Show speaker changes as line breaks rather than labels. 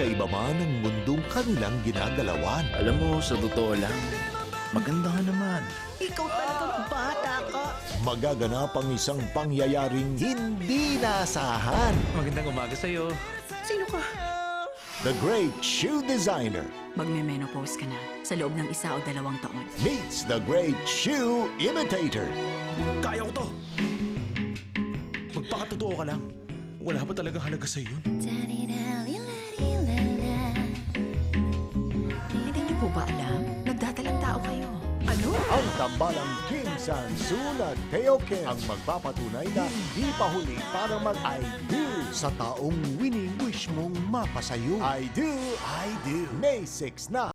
Magkaiba man ang mundong kanilang ginagalawan.
Alam mo, sa totoo lang, maganda ka naman.
Ikaw talagang bata ka.
Magaganap ang isang pangyayaring hindi naasahan.
Magandang umaga sa'yo.
Sino ka?
The Great Shoe Designer
Magme-menopause ka na sa loob ng 1 o 2 taon.
meets the Great Shoe Imitator.
Kaya ko to! Magpakatotoo ka lang. Wala ba talagang halaga sa'yo yun?
Hindi niyo po ba alam? Nagdadalang tao kayo. Ano?
Ang tambalang Kim Sang-soo at Teo Kim ang magpapatunay na hindi pa huli para mag-I do sa taong wini-wish mong mapasayo. I do, May 6 na.